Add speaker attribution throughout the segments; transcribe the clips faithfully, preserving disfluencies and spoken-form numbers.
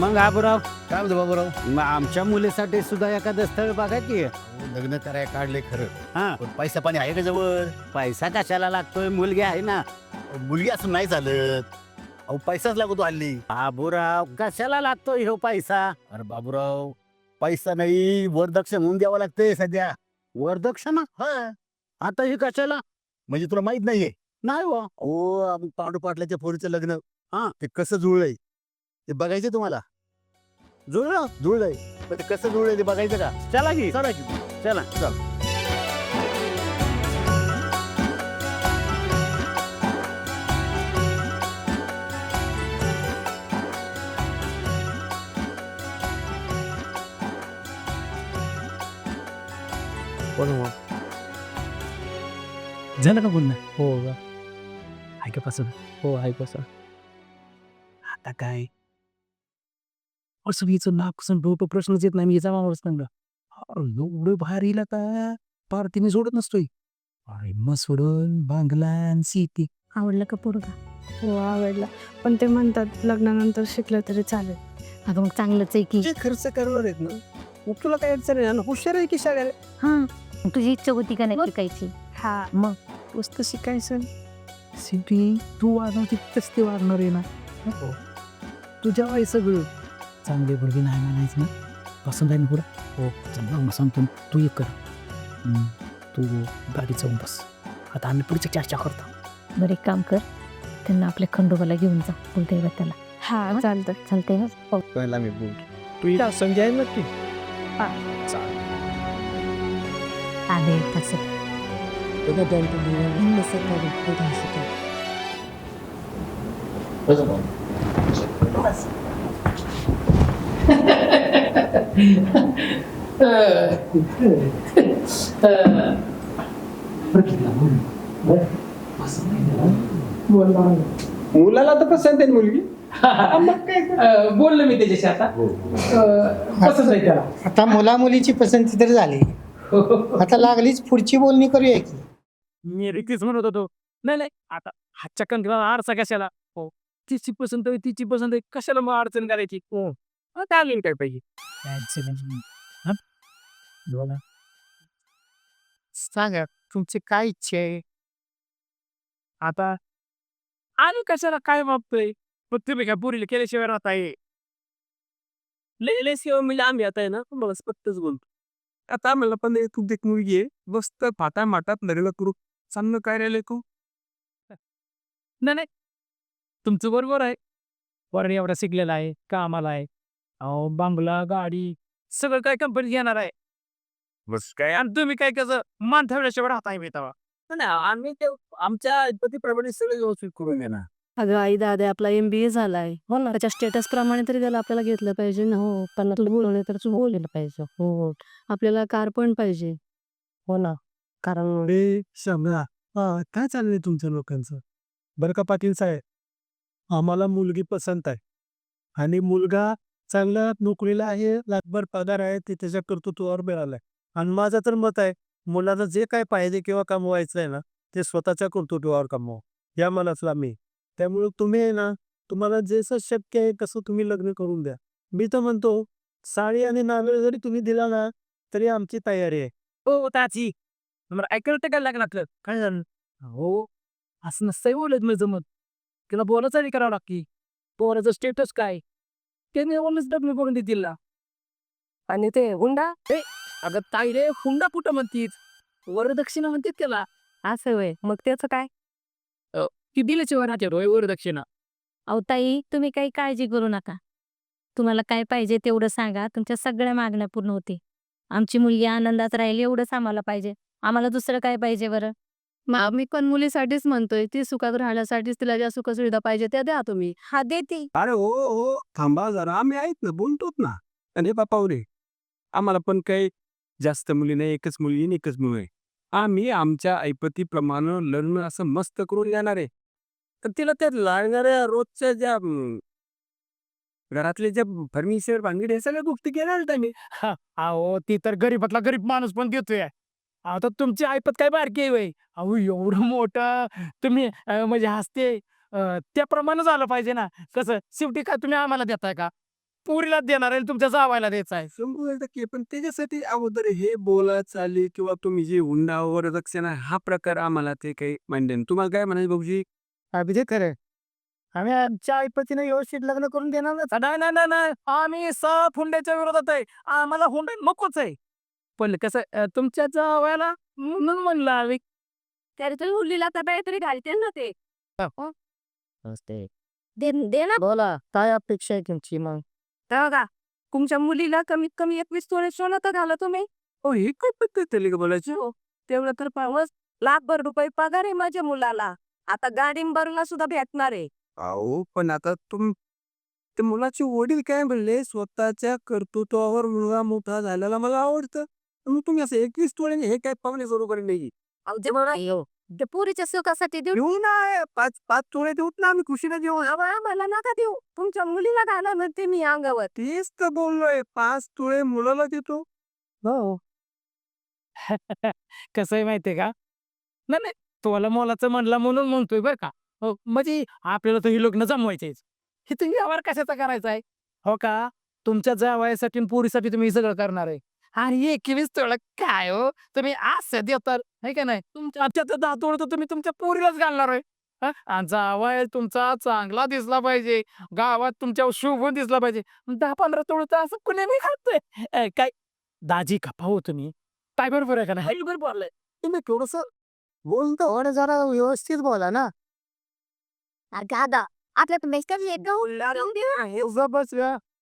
Speaker 1: मग आबुराव,
Speaker 2: काय म्हणतो बाबूराव?
Speaker 1: मग आमच्या मुलीसाठी सुद्धा एखादं स्थळ बघा की.
Speaker 2: अहो, लग्न कराय काढले खरं,
Speaker 1: हा,
Speaker 2: पण पैसा पाणी आहे का जवळ?
Speaker 1: पैसा कशाला लागतोय, मुलगी आहे ना.
Speaker 2: अहो, मुलगी असं नाही चालत. अहो पैसाच लागतो हल्ली.
Speaker 1: आबुराव, कशाला लागतोय ह्यो पैसा?
Speaker 2: अरे बाबूराव, पैसा नाही वरदक्षिण म्हणून द्यावं लागतंय सध्या.
Speaker 1: वरदक्षिणा?
Speaker 2: हा,
Speaker 1: आता ही कशाला?
Speaker 2: म्हणजे तुला माहित नाहीये?
Speaker 1: नाही हो.
Speaker 2: ओ आम्ही पांडू पाटलाच्या पोरीचं लग्न,
Speaker 1: हा.
Speaker 2: ते कसं जुळलंय ते बघायचं तुम्हाला.
Speaker 1: जुळलं?
Speaker 2: जुळलंय, पण ते कसं जुळलंय ते बघायचं का?
Speaker 1: चला की,
Speaker 2: चला की.
Speaker 1: चला.
Speaker 2: चल.
Speaker 3: झालं का बोलणं? हो का. आहे का पसंत? हो आहे पसंत. आता काय असं हिचं नाक डोकं प्रश्नच येत नाही. मी हिचा माणूस सांगा एवढं बाहेर येईल का पार तिने सोडत नसतोय. अरे मग सोडून बांगला शेती.
Speaker 4: आवडलं का पोरगा? हो आवडला, पण ते म्हणतात लग्नानंतर शिकलं तरी चालेल.
Speaker 5: अगं मग चांगलंच आहे की.
Speaker 3: जे खर्च करणार आहेत ना मग तुला काय अडचण आहे ना. हुशार आहे की शाळेला.
Speaker 5: हा, मग तुझी इच्छा होती का नाही शिकायची?
Speaker 4: हा,
Speaker 3: मग पुस्तक शिकायचं सिटी तू वाढवते तस ते वाढणार आहे ना. हो तुझ्या वय सगळं चांगले मुलगी नाही म्हणायचं ना. पसंत आहे ना पुढं. हो चांगला मग सांगतो तू एक कर. हम्म, तू गाडी जाऊन बस. आता आम्ही पुढची चर्चा करतो.
Speaker 5: बरं एक काम कर, त्यांना आपल्या खंडोबाला घेऊन जा बोलते त्याला.
Speaker 4: हा चालतं.
Speaker 5: चालतंय ना? हो.
Speaker 2: पहिला मी बोल.
Speaker 3: तू या संजय आहे नक्की.
Speaker 5: आले तसं उद्या दोन तीन दिवस भिन्न सकाळी उद्या शिकेल. बस.
Speaker 6: मुलाला तर पसंत आहे मुलगी. मग काय अं, बोललो मी त्याच्याशी आता अं, पसंत आहे त्याला.
Speaker 7: आता मुला मुलीची पसंती तर झाली, आता लागलीच पुढची बोलणी करूया की.
Speaker 3: मी रिक्कीच म्हणत होतो. नाही नाही आता हातच्या कंकणाला आरसा कशाला. हो तिची पसंत आहे तिची पसंत आहे कशाला मग अडचण करायची. हो त्याला काय पाहिजे. हा? बोला. सांगा तुमची काय इच्छा आहे. आता आणि कशाला काय मागतोय. पण तुम्ही काय पुरीला केल्याशिवाय राहत आहे. लेल्याशिवाय मी लांब येत आहे ना मला स्पष्टच बोलतो. आता मला पण तू देख मुलगी आहे मस्त फाटा माटात नरेला करू चांगलं काय राहिलंय तू. नाही नाही तुमचं बरोबर आहे. वरण एवढा शिकलेला आहे कामाला आहे. अहो बांगला गाडी सगळं काय कंपनी घेणार आहे. बस काय आणि तुम्ही काय कसं मान ठेवल्याशिवाय राहता आहे तेव्हा. नाही आम्ही ते आमच्या पतीप्रमाणे सगळं व्यवस्थित करून देणार.
Speaker 4: अगं आई दादा आपला एम बी ए झालाय हो ना, त्याच्या स्टेटस प्रमाणे तरी त्याला आपल्याला घेतलं पाहिजे ना. हो पन्नास बोलवले तर तू बोललेलं पाहिजे. हो आपल्याला कार पण पाहिजे. हो ना, कारण
Speaker 3: अरे समजा हा काय चाललंय तुमच्या लोकांचं. बरं का पाटील साहेब आम्हाला मुलगी पसंत आहे आणि मुलगा चांगला नोकरीला आहे लाखभर पगार आहे ते त्याच्या कर्तृत्वावर मिळालाय. आणि माझं तर मत आहे मुलाला जे काय पाहिजे किंवा कमवायचं आहे ना ते स्वतःच्या कर्तृत्वावर कमवा या मनातला मी. त्यामुळे तुम्ही आहे ना तुम्हाला जसं शक्य आहे कसं तुम्ही लग्न करून द्या. मी तर म्हणतो साडी आणि नारळ जरी तुम्ही दिला ना तरी आमची तयारी आहे. हो ताची मला ऐकायला काय लागणार काय झालं. हो असं नसतंय बोलत मी जमत तिला बोलायचं आणि करावं लागते. पोराचं स्टेटस काय त्याने बोलच लग्न करून देतील ना. आणि ते हुंडा ए अगं ताई रे हुंडा कुठं म्हणतीत वरदक्षिणा म्हणतात त्याला.
Speaker 4: असं वय मग त्याचं काय.
Speaker 3: ती दिल्याची वराचे रोय वरदक्षिणा.
Speaker 5: अहो ताई तुम्ही काही काळजी करू नका. तुम्हाला काय पाहिजे तेवढं सांगा, तुमच्या सगळ्या मागण्या पूर्ण होते. आमची मुलगी आनंदात राहील एवढंच आम्हाला पाहिजे. आम्हाला दुसरं काय पाहिजे बरं.
Speaker 4: मग आम्ही पण मुलीसाठीच म्हणतोय, ती सुखात राहण्यासाठीच तिला ज्या सुखसुविधा पाहिजे त्या द्या तुम्ही.
Speaker 5: हा देते.
Speaker 3: अरे हो हो थांबा जरा आम्ही आहेत ना बोलतोच ना. आणि बापा रे आम्हाला पण काही जास्त मुली नाही एकच मुलगी आणि एकच मुलं आहे. आम्ही आमच्या ऐपतीप्रमाणे लग्न असं मस्त करून देणार आहे. तर तिला त्या लागणाऱ्या रोजच्या ज्या अं, घरातले जे फर्निचर भांगडी हे सगळ्या गोष्टी घेणार आम्ही. अहो ती तर गरीबातला गरीब माणूस पण देतोय. आता तुमची ऐपत काय बारकी आहे वय. अहो एवढं मोठं तुम्ही अं, म्हणजे हसते अं, त्याप्रमाणे झालं पाहिजे ना. कसं शेवटी काय तुम्ही आम्हाला देताय का.
Speaker 6: पुरीला देणार आहे तुमच्या जावायला द्यायचा आहे.
Speaker 3: शंभर टक्के पण त्याच्यासाठी अगोदर हे बोला चाली किंवा तुम्ही जे हुंडा वरदक्षिणा हा प्रकार आम्हाला ते काही मान्य नाही. तुम्हाला काय म्हणायचं भाऊजी?
Speaker 1: अभिजित खरं आम्ही आमच्या आईपतीने व्यवस्थित लग्न करून देणार ना.
Speaker 6: नाही नाही नाही नाही आम्ही साफ हुंड्याच्या विरोधात आहे. आम्हाला हुंडा नकोच आहे. पण कसं अं, तुमच्या जावायला म्हणून म्हणलं आम्ही
Speaker 4: तरी तुम्ही मुलीला तर काहीतरी घालते ना ते
Speaker 1: नमस्ते.
Speaker 4: दे दे ना
Speaker 1: बोला काय अपेक्षा आहे तुमची मग?
Speaker 4: तेव्हा का तुमच्या मुलीला कमीत कमी एकवीस तोळे सोनं तर घाला तुम्ही.
Speaker 3: हो हे काय पद्धत आहे का बोलायची?
Speaker 4: हो तेवढं तर पावस लाखभर रुपये पगार आहे माझ्या मुलाला. आता गाडी भरणं सुद्धा भेटणार आहे.
Speaker 3: अहो पण आता तुम ते मुलाचे वडील काय म्हणले स्वतःच्या कर्तृत्वावर मुलगा मोठा झालेला मला आवडतं. मग तुम्ही असं एकवीस तोळ्याने हे काय पाहुणे बरोबर नाही.
Speaker 4: अहो, जे म्हणा ते पोरीच्या सुखासाठी देऊ
Speaker 3: देऊ ना पाच पाच तोळे देऊत ना आम्ही खुशीने देऊ.
Speaker 4: अहो, आम्हाला नका देऊ तुमच्या मुलीला घाला म्हणते मी अंगावर.
Speaker 3: तेच तर बोललोय पाच तोळे मुलाला देतो.
Speaker 6: हो कसं आहे माहितीये का नाही नाही तुला मोलाचं म्हणला म्हणून म्हणतोय बरं का. हो म्हणजे आपल्याला तर ही लग्न जमवायचेच. हे तुम्ही व्यवहार कशाचा करायचा आहे हो का. तुमच्या जावयासाठी आणि पोरीसाठी तुम्ही हे सगळं करणार आहे. आणि एकवीस तोळा काय हो तुम्ही असं देतात है का नाही. तुमच्या आजच्या तर दहा तोळा तर तुम्ही तुमच्या पोरीलाच घालणार आहे. हा? आणि जावया तुमचा चांगला दिसला पाहिजे. गावात तुमच्यावर शोभून दिसला पाहिजे. दहा पंधरा तोळ तर असं कुणी नाही खातोय काय. दाजी खपा हो तुम्ही काय बरोबर आहे का नाही. बरोबर बोललाय
Speaker 1: तुम्ही थोडस बोलतो थोडं जरा व्यवस्थित बोला ना.
Speaker 4: दादा आपल्या मेस्टर
Speaker 1: बस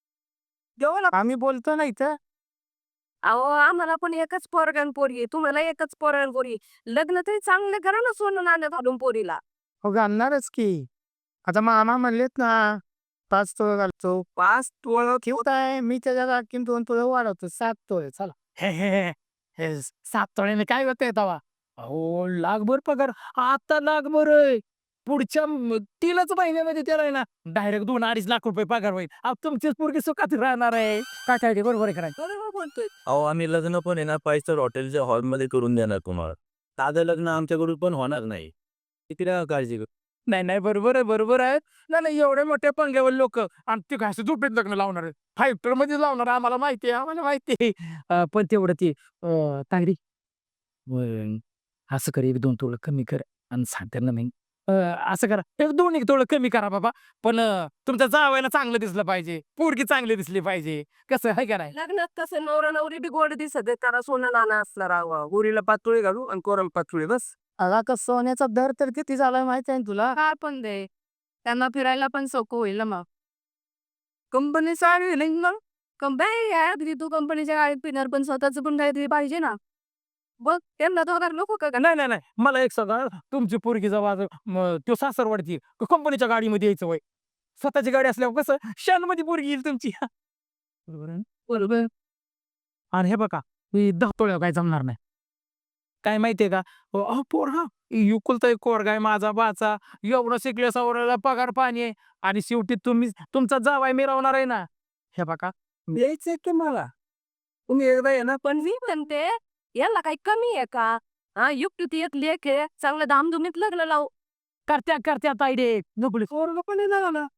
Speaker 1: आम्ही बोलतो ना इथं.
Speaker 4: अहो आम्हाला पण एकच पोरगण पोरी तुम्हाला एकच पोरगण पोरी. लग्न तरी चांगलं करा ना सोनं नाणं घालून पोरीला.
Speaker 1: हो घालणारच की. आता मामा म्हणलेत ना पाच तोळे घालतो.
Speaker 3: पाच तोळा
Speaker 1: ठेवताय मी त्याच्या आणखीन दोन तोळे वाढवतो सात तोळे चला.
Speaker 6: हे हे हे, हे सात तोळ्याने काय होतंय तवा. अहो लाखभर पगार आता लाखभर आहे. पुढच्या म- तीनच महिन्यामध्ये त्याला आहे ना डायरेक्ट दोन अडीच लाख रुपये पगार होईल. अहो, तुमचीच पोरगी सुखात राहणार आहे. काय काय ते बरोबर आहे का नाही?
Speaker 4: बरोबर बोलतोय.
Speaker 8: अहो आम्ही लग्न पण आहे ना फाईव्ह स्टार हॉटेलच्या हॉलमध्ये करून देणार तुम्हाला. साधं लग्न आमच्याकडून पण होणार नाही. किती नका काळजी करू.
Speaker 6: नाही नाही बरोबर आहे बरोबर आहे. नाही नाही एवढ्या मोठ्या पंग्यावर लोक आणि ते काय असं झोपेत लग्न लावणार आहे. फाईव्ह स्टार मध्ये लावणार आहे. आम्हाला माहिती आहे आम्हाला माहिती आहे. अं, पण तेवढं ते अं, तांगडी व- असं कर एक दोन तोळं कमी कर आणि सांग त्यांना मी अं, असं करा एक दोन एक तोळं कमी करा बाबा. पण अं, तुमच्या जावायला चांगलं दिसलं पाहिजे. पोरगी चांगली दिसली पाहिजे. कसं आहे का नाही.
Speaker 4: लग्नात कसं नवरा नवरी बी गोड दिसत आहे, त्याला सोनं नाणं असणार राहावं.
Speaker 3: गोरीला पाच तोळे घालू आणि कोराला पाच तोळे बस.
Speaker 1: अगा का सोन्याचा दर तर किती झालाय माहिती आहे ना तुला.
Speaker 4: काय पण दे त्यांना फिरायला पण सोपं होईल ना मग.
Speaker 3: कंपनी सारी नाही ना.
Speaker 4: कंपनी आहे तू कंपनीच्या गाडीत पिणार पण स्वतःच पण काहीतरी पाहिजे ना. बघ त्यांना दोघांना नको का
Speaker 6: नाही नाही नाही मला एक सांगा तुमची पोरगी जेव्हा म, तो सासरवाडती कंपनीच्या गाडीमध्ये यायचं वय स्वतःची गाडी असल्यावर कसं शानमध्ये पोरगी येईल तुमची. बरोबर आहे ना?
Speaker 4: बरोबर.
Speaker 6: आणि हे बघा मी दहा तोळ्या काय जमणार नाही. काय माहितीये का अहो पोर हा युकुलता एक कोरगा आहे माझा बाचा एवढं शिकले सवराला पगार पाणी आहे आणि शेवटी तुम्ही तुमचा जावाय मिरवणार आहे ना. हे बघा
Speaker 3: द्यायचंय तुम्हाला. तुम्ही एकदा ये ना
Speaker 4: पण मी म्हणते याला काही कमी आहे का. हा युक्ती एक लेख आहे चांगलं धामधुमीत लग्न लावू.
Speaker 6: करत्या करत्या ताईडे नकली
Speaker 3: पोरगं पण येणार ना.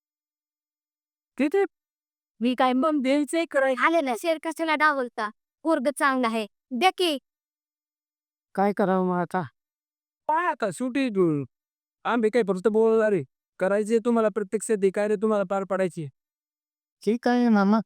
Speaker 3: किती
Speaker 4: मी काय मग द्यायचंय कराय आले ना शेर कशाला डावलता. पोरग चांगलं आहे द्या की.
Speaker 1: काय करावं मग आता.
Speaker 3: काय आता शेवटी तू- आम्ही काय फक्त बोलणार आहे. करायचे तुम्हाला प्रत्यक्षात हे काय रे तुम्हाला पार पाडायची.
Speaker 1: ठीक आहे मामा.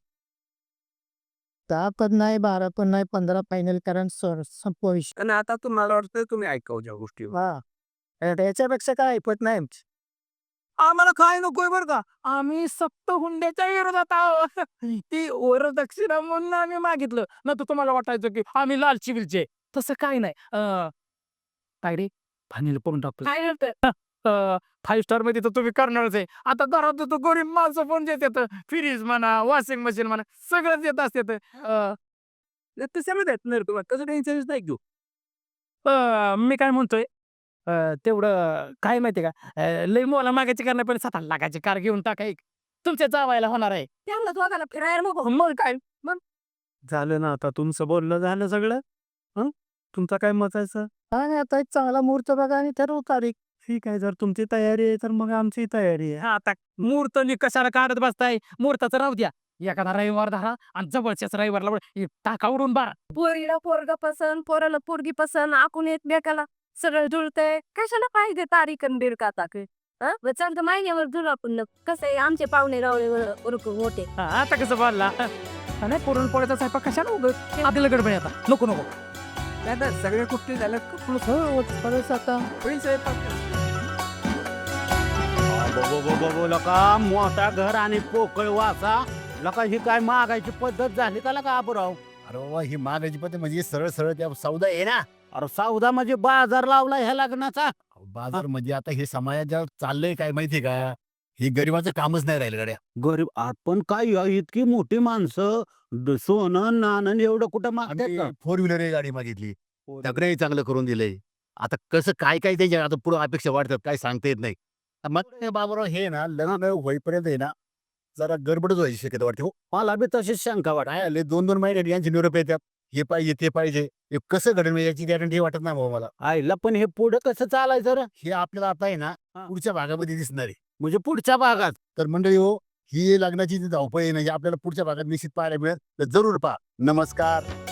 Speaker 1: दहा पण नाही बारा पण नाही पंधरा फायनल कारण संपवा विषय.
Speaker 3: आणि आता तुम्हाला वाटतं तुम्ही ऐकावं ज्या गोष्टी.
Speaker 1: हा याच्यापेक्षा काय ऐकत नाही आमची.
Speaker 6: आम्हाला काय नकोय बरं का. आम्ही सप्त हुंड्याच्या विरोधात आहोत. ती वरदक्षिणा म्हणून आम्ही मागितलं ना तर तुम्हाला वाटायचं की आम्ही लालची बिलचे. तसं काय नाही. अं, काय रे फायनल पण टाकतो.
Speaker 4: काय करतोय
Speaker 6: फाईव्ह स्टार मध्ये तर तुम्ही करणारच आहे. आता घरात तो गरीब माणसं पण देतात फ्रीज म्हणा वॉशिंग मशीन म्हणा सगळं देत असतात. अं,
Speaker 3: ते सगळं भेटणार तुम्हाला कसं टेन्शन नाही घेऊ.
Speaker 6: अं, मी काय म्हणतोय अं, तेवढं काय माहितीये का अं, लय मोला मागायची करणार पण सात लाखाची कार घेऊन टाका एक तुमच्या जावायला होणार आहे.
Speaker 4: त्यांना दोघांना फिरायला नको.
Speaker 6: मग काय
Speaker 3: झालं ना आता तुमचं बोलणं झालं सगळं. हं तुमचं काय मत आहे सर?
Speaker 1: आणि आता एक चांगला मुहूर्त बघा आणि ठरवू तारीख.
Speaker 3: ठीक आहे जर तुमची तयारी आहे तर मग आमची तयारी आहे.
Speaker 6: हा आता मुहूर्त नि कशाला काढत बसताय मुहूर्ताचं राहू द्या. एखादा रविवार धरा आणि जवळच्याच रविवारला बरं हे टाका उडून बारा.
Speaker 4: पोरीला पोरगा पसंत पोराला पोरगी पसंत आपण एकमेकाला सगळं जुळतंय कशाला पाहिजे तारीख आणि बिरका टाके चालतं महिन्यावर जुळू आपण न. कसं आहे आमचे पाहुणे रावळे उरक मोठे
Speaker 6: हा, आता कसं बोलला नाही पुरणपोळ्याचा स्वयंपाक कशाला उगत आपल्याला गडबड आहे आता नको नको
Speaker 1: सगळ्या गोष्टी झाल्या आता
Speaker 2: बघू बघू लका मोठा घर आणि पोकळ वासा लका ही काय मागायची पद्धत झाली का लका आबराव? अरे बाबा ही मागायची पद्धत म्हणजे सरळ सरळ त्या सौदा आहे ना. अरे सौदा म्हणजे बाजार लावला ह्या लग्नाचा. बाजार म्हणजे आता हे समाजात चाललंय काय माहितीये का, हे गरिबाचं कामच नाही राहिलं गाड्या. गरीब आपण काय या इतकी मोठी माणसं द- सोनं नाणं एवढं कुठं मागतात. फोर व्हीलर ही गाडी मागितली, सगळंही चांगलं करून दिलंय. आता कसं काय काय त्याच्या आता पुढे अपेक्षा वाढतात काय सांगता येत नाही. मग ते बाबूराव हे ना लग्न होईपर्यंत आहे ना जरा गडबडच व्हायची शक्यता वाटते. हो मला बी तशीच शंका वाट आहे. दोन दोन महिने यांचे निरोप येतात, हे पाहिजे ते पाहिजे, हे कसं घडेल म्हणजे याची गॅरंटी वाटत नाही भाऊ मला. आईला पण हे पुढे कसं चालायचं रे? हे आपल्याला आता आहे ना पुढच्या भागामध्ये दिसणार आहे. म्हणजे पुढच्या भागात तर मंडळी हो ही लग्नाची जी धावपळ आहे ना ही आपल्याला पुढच्या भागात निश्चित पाहायला मिळेल. तर जरूर पहा. नमस्कार.